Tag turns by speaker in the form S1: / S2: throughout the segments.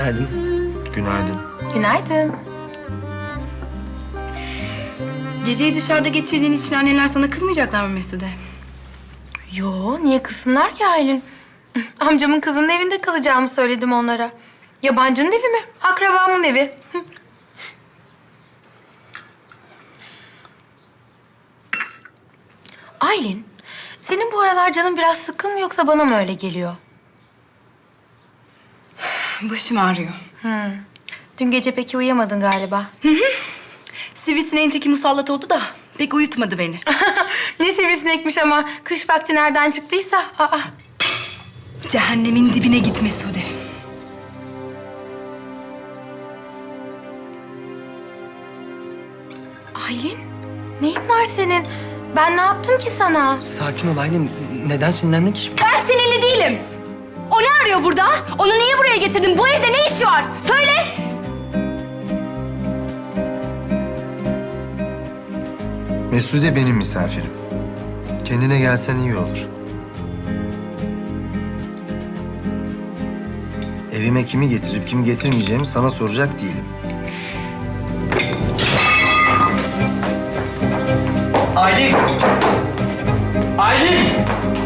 S1: Günaydın.
S2: Günaydın.
S3: Günaydın.
S4: Geceyi dışarıda geçirdiğin için anneler sana kızmayacaklar mı Mesude?
S3: Yo, niye kızsınlar ki Aylin? Amcamın kızının evinde kalacağımı söyledim onlara. Yabancının evi mi? Akrabamın evi. Aylin, senin bu aralar canın biraz sıkkın mı yoksa bana mı öyle geliyor?
S4: Başım ağrıyor.
S3: Dün gece peki uyuyamadın galiba.
S4: Sivrisineğin teki musallat oldu da pek uyutmadı beni.
S3: Ne sivrisinekmiş ama kış vakti nereden çıktıysa. Aa.
S4: Cehennemin dibine git Mesude.
S3: Aylin, neyin var senin? Ben ne yaptım ki sana?
S1: Sakin ol Aylin. Neden sinirlendin ki şimdi?
S4: Ben sinirli değilim. O ne arıyor burada? Onu niye buraya getirdin? Bu evde ne işi var? Söyle!
S2: Mesude benim misafirim. Kendine gelsen iyi olur. Evime kimi getirip kimi getirmeyeceğimi sana soracak değilim.
S1: Aylin! Aylin!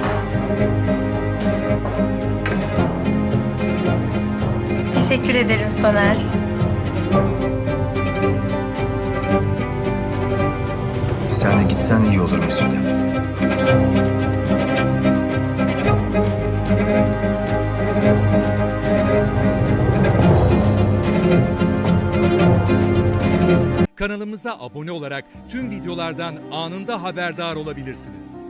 S3: Teşekkür ederim Soner.
S2: Sen de gitsen iyi olur Mesude.
S5: Kanalımıza abone olarak tüm videolardan anında haberdar olabilirsiniz.